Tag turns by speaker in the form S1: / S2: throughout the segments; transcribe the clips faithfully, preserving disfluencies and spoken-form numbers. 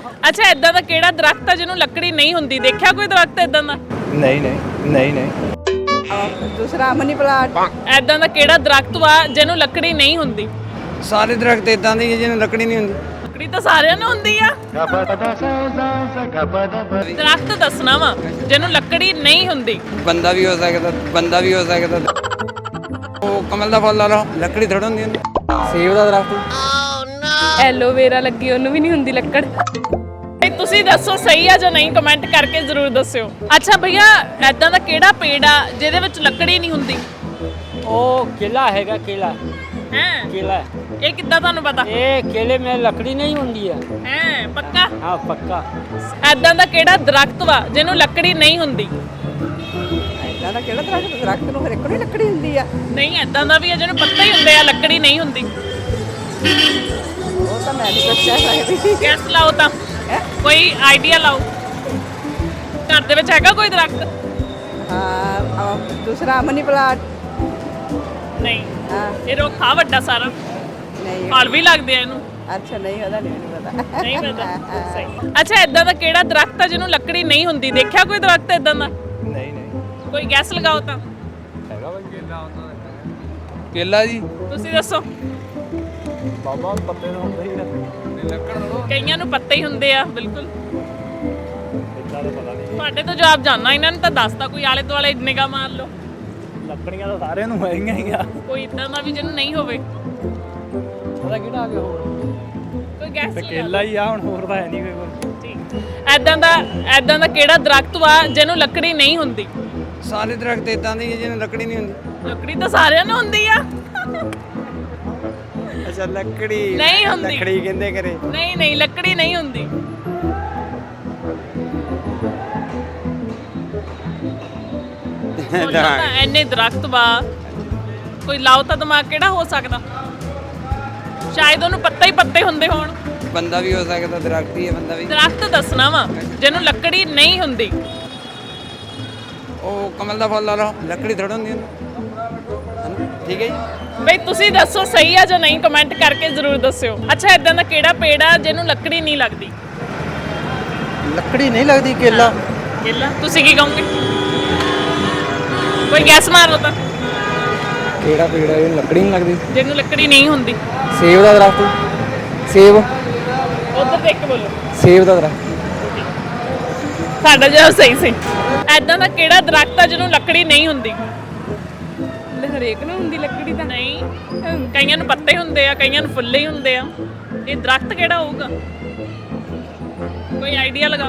S1: ਅੱਛਾ ਇਦਾਂ ਦਾ ਕਿਹੜਾ ਦਰਖਤ ਆ ਜਿਹਨੂੰ ਲੱਕੜੀ ਨਹੀਂ ਹੁੰਦੀ? ਦੇਖਿਆ ਕੋਈ ਦਰਖਤ ਇਦਾਂ ਦਾ?
S2: ਨਹੀਂ ਨਹੀਂ ਨਹੀਂ ਨਹੀਂ।
S3: ਦੂਸਰਾ ਮਨੀ ਪਲਾਂਟ।
S1: ਇਦਾਂ ਦਾ ਕਿਹੜਾ ਦਰਖਤ ਵਾ ਜਿਹਨੂੰ ਲੱਕੜੀ ਨਹੀਂ ਹੁੰਦੀ?
S2: ਸਾਰੇ ਦਰਖਤ ਇਦਾਂ ਦੇ ਹੀ ਜਿਹਨੂੰ ਲੱਕੜੀ ਨਹੀਂ ਹੁੰਦੀ।
S1: ਲੱਕੜੀ ਤਾਂ ਸਾਰਿਆਂ ਨੂੰ ਹੁੰਦੀ ਆ। ਦਰਖਤ ਦੱਸਣਾ ਵਾ ਜਿਹਨੂੰ ਲੱਕੜੀ ਨਹੀਂ ਹੁੰਦੀ।
S2: ਬੰਦਾ ਵੀ ਹੋ ਸਕਦਾ, ਬੰਦਾ ਵੀ ਹੋ ਸਕਦਾ। ਉਹ ਕਮਲ ਦਾ ਫੁੱਲ ਲਾ ਲਓ, ਲੱਕੜੀ ਥੋੜ੍ਹਾ ਹੁੰਦੀ ਹੁੰਦੀ। ਸੇਬ ਦਾ ਦਰਖਤ।
S4: ਐਲੋਵੇਰਾ ਲੱਗੀ ਉਹਨੂੰ ਵੀ ਨਹੀਂ ਹੁੰਦੀ ਲੱਕੜ।
S1: ਇਹ ਤੁਸੀਂ ਦੱਸੋ ਸਹੀ ਆ ਜਾਂ ਨਹੀਂ? ਕਮੈਂਟ ਕਰਕੇ ਜ਼ਰੂਰ ਦੱਸਿਓ। ਅੱਛਾ ਭਈਆ ਇਦਾਂ ਦਾ ਕਿਹੜਾ ਪੇੜ ਆ ਜਿਹਦੇ ਵਿੱਚ ਲੱਕੜੀ ਨਹੀਂ ਹੁੰਦੀ?
S5: ਉਹ केला हैगा केला
S1: ਹੈ
S5: केला
S1: ਇਹ ਕਿੱਦਾਂ ਤੁਹਾਨੂੰ ਪਤਾ?
S5: ये केले में लकड़ी नहीं होती है।
S1: ਹੈ ਪੱਕਾ?
S5: हाँ पक्का।
S1: ਇਦਾਂ ਦਾ ਕਿਹੜਾ ਦਰਖਤ ਵਾ ਜਿਹਨੂੰ ਲੱਕੜੀ ਨਹੀਂ ਹੁੰਦੀ?
S3: ਇਦਾਂ ਦਾ ਕਿਹੜਾ ਦਰਖਤ? ਦਰਖਤ ਨੂੰ ਹਰ ਇੱਕ ਨੂੰ ਹੀ ਲੱਕੜੀ ਹੁੰਦੀ ਆ।
S1: ਨਹੀਂ ਇਦਾਂ ਦਾ ਵੀ ਆ ਜਿਹਨੂੰ ਪੱਤੇ ਹੀ ਹੁੰਦੇ ਆ, ਲੱਕੜੀ ਨਹੀਂ ਹੁੰਦੀ।
S3: ਉਹ ਤਾਂ ਮੈਂ ਨਹੀਂ ਦੱਸਿਆ ਸਕਦੀ।
S1: ਗੈਸ ਲਾਓ ਤਾਂ, ਕੋਈ ਆਈਡੀਆ ਲਾਓ। ਘਰ ਦੇ ਵਿੱਚ ਹੈਗਾ ਕੋਈ ਦਰਖਤ?
S3: ਹਾਂ ਅਹ ਦੂਸਰਾ ਮਨੀ ਪਲਾਂਟ।
S1: ਨਹੀਂ
S3: ਹਾਂ
S1: ਇਹ ਰੁੱਖਾ ਵੱਡਾ ਸਾਰਾ,
S3: ਨਹੀਂ।
S1: ਫਲ ਵੀ ਲੱਗਦੇ ਆ ਇਹਨੂੰ।
S3: ਅੱਛਾ ਨਹੀਂ ਉਹਦਾ ਨਹੀਂ ਮੈਨੂੰ ਪਤਾ।
S1: ਨਹੀਂ ਪਤਾ ਸਹੀ। ਅੱਛਾ ਇਦਾਂ ਦਾ ਕਿਹੜਾ ਦਰਖਤ ਆ ਜਿਹਨੂੰ ਲੱਕੜੀ ਨਹੀਂ ਹੁੰਦੀ? ਦੇਖਿਆ ਕੋਈ ਦਰਖਤ ਇਦਾਂ ਦਾ?
S2: ਨਹੀਂ ਨਹੀਂ।
S1: ਕੋਈ ਗੈਸ ਲਗਾਓ ਤਾਂ।
S2: ਕੇਲਾ ਜੀ।
S1: ਤੁਸੀਂ ਦੱਸੋ।
S2: ਬਾਬਾ ਪੱਤੇ ਤਾਂ ਹੁੰਦੇ ਹੀ ਆ। ਲੱਕੜ
S1: ਕਈਆਂ ਨੂੰ ਪੱਤੇ ਹੀ ਹੁੰਦੇ ਆ। ਬਿਲਕੁਲ
S2: ਇਦਾਂ ਦਾ ਪਤਾ ਨਹੀਂ।
S1: ਤੁਹਾਡੇ ਤੋਂ ਜਵਾਬ ਜਾਨਣਾ, ਇਹਨਾਂ ਨੂੰ ਤਾਂ ਦੱਸਦਾ। ਕੋਈ ਆਲੇ ਦੁਆਲੇ ਨਿਗਾਹ ਮਾਰ ਲਓ।
S2: ਲੱਕੜੀਆਂ ਤਾਂ ਸਾਰਿਆਂ ਨੂੰ ਹੈਗੀਆਂ ਹੀ ਆ।
S1: ਕੋਈ ਇਦਾਂ ਦਾ ਵੀ ਜਿਹਨੂੰ ਨਹੀਂ ਹੋਵੇ।
S2: ਉਹਦਾ ਕਿਹੜਾ ਆ ਗਿਆ ਹੋਰ?
S1: ਕੋਈ ਗੈਸ
S2: ਤੇ ਕੇਲਾ ਹੀ ਆ, ਹੁਣ ਹੋਰ ਤਾਂ ਹੈ ਨਹੀਂ ਕੋਈ।
S1: ਠੀਕ ਐਦਾਂ ਦਾ ਐਦਾਂ ਦਾ ਕਿਹੜਾ ਦਰਖਤ ਵਾ ਜਿਹਨੂੰ ਲੱਕੜੀ ਨਹੀਂ ਹੁੰਦੀ?
S2: ਸਾਰੇ ਦਰਖਤ ਇਦਾਂ ਦੇ ਹੀ ਜਿਹਨੂੰ ਲੱਕੜੀ ਨਹੀਂ ਹੁੰਦੀ।
S1: ਲੱਕੜੀ ਤਾਂ ਸਾਰਿਆਂ ਨੂੰ ਹੁੰਦੀ ਆ।
S2: ਅੱਛਾ ਲੱਕੜੀ
S1: ਨਹੀਂ ਹੁੰਦੀ।
S2: ਲੱਕੜੀ ਕਹਿੰਦੇ ਕਰੇ।
S1: ਨਹੀਂ ਨਹੀਂ ਲੱਕੜੀ ਨਹੀਂ ਹੁੰਦੀ। ਸੋਚੋ ਤਾਂ ਐਨੇ ਦਰਖਤ ਵਾ, ਕੋਈ ਲਾਓ ਤਾਂ ਦਿਮਾਗ ਕਿਹੜਾ ਹੋ ਸਕਦਾ? ਸ਼ਾਇਦ ਉਹਨੂੰ ਪੱਤੇ ਹੀ ਪੱਤੇ ਹੁੰਦੇ ਹੋਣ।
S2: ਬੰਦਾ ਵੀ ਹੋ ਸਕਦਾ, ਦਰਖਤ ਹੀ ਹੈ ਬੰਦਾ ਵੀ।
S1: ਦਰਖਤ ਦੱਸਣਾ ਵਾ ਜਿਹਨੂੰ ਲੱਕੜੀ ਨਹੀਂ ਹੁੰਦੀ।
S2: ਉਹ ਕਮਲ ਦਾ ਫੁੱਲ ਲਾ ਲਓ, ਲੱਕੜੀ ਥੋੜ੍ਹਾ ਹੁੰਦੀ ਹੁੰਦੀ। ਠੀਕ ਹੈ ਜੀ।
S1: ਬਈ ਤੁਸੀਂ ਦੱਸੋ ਸਹੀ ਆ ਜਾਂ ਨਹੀਂ? ਕਮੈਂਟ ਕਰਕੇ ਜ਼ਰੂਰ ਦੱਸਿਓ। ਅੱਛਾ ਇਦਾਂ ਦਾ ਕਿਹੜਾ ਪੇੜ ਆ ਜਿਹਨੂੰ ਲੱਕੜੀ ਨਹੀਂ ਲੱਗਦੀ?
S6: ਲੱਕੜੀ ਨਹੀਂ ਲੱਗਦੀ? ਕੇਲਾ।
S1: ਕੇਲਾ। ਤੁਸੀਂ ਕੀ ਕਹੋਗੇ? ਕੋਈ ਗੈਸ ਮਾਰੋ ਤਾਂ।
S6: ਕਿਹੜਾ ਪੇੜ ਹੈ ਇਹਨੂੰ ਲੱਕੜੀ ਨਹੀਂ ਲੱਗਦੀ?
S1: ਜਿਹਨੂੰ ਲੱਕੜੀ ਨਹੀਂ ਹੁੰਦੀ।
S6: ਸੇਬ ਦਾ ਦਰਖਤ। ਸੇਬ।
S1: ਉਧਰ ਦੇਖ ਕੇ ਬੋਲੋ।
S6: ਸੇਬ ਦਾ ਦਰਖਤ।
S1: ਸਾਡਾ ਜਵਾਬ ਸਹੀ ਸੀ। ਐਦਾਂ ਦਾ ਕਿਹੜਾ ਦਰਖਤ ਆ ਜਿਹਨੂੰ ਲੱਕੜੀ ਨਹੀਂ ਹੁੰਦੀ?
S4: ਹਰੇਕ ਨੂੰ ਹੁੰਦੀ ਲੱਕੜੀ ਤਾਂ।
S1: ਨਹੀਂ ਕਈਆਂ ਨੂੰ ਪੱਤੇ ਹੁੰਦੇ ਆ, ਕਈਆਂ ਨੂੰ ਫੁੱਲੇ ਹੀ ਹੁੰਦੇ ਆ। ਇਹ ਦਰਖਤ ਕਿਹੜਾ ਹੋਊਗਾ? ਕੋਈ ਆਈਡੀਆ ਲਗਾਓ।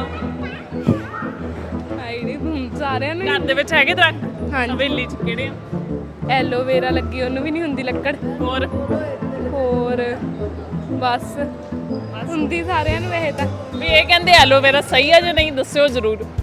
S4: ਆਈਡੀ ਸਾਰਿਆਂ ਨੂੰ
S1: ਘਰ ਦੇ ਵਿੱਚ ਹੈਗੇ ਦਰਖਤ?
S4: ਹਾਂਜੀ।
S1: ਹਵੇਲੀ 'ਚ ਕਿਹੜੇ ਆ?
S4: ਐਲੋਵੇਰਾ ਲੱਗੀ ਉਹਨੂੰ ਵੀ ਨਹੀਂ ਹੁੰਦੀ ਲੱਕੜ।
S1: ਹੋਰ
S4: ਹੋਰ ਬਸ ਹੁੰਦੀ ਸਾਰਿਆਂ ਨੂੰ ਇਹ ਤਾਂ।
S1: ਵੀ ਇਹ ਕਹਿੰਦੇ ਐਲੋਵੇਰਾ ਸਹੀ ਆ ਜਾਂ ਨਹੀਂ? ਦੱਸਿਓ ਜ਼ਰੂਰ।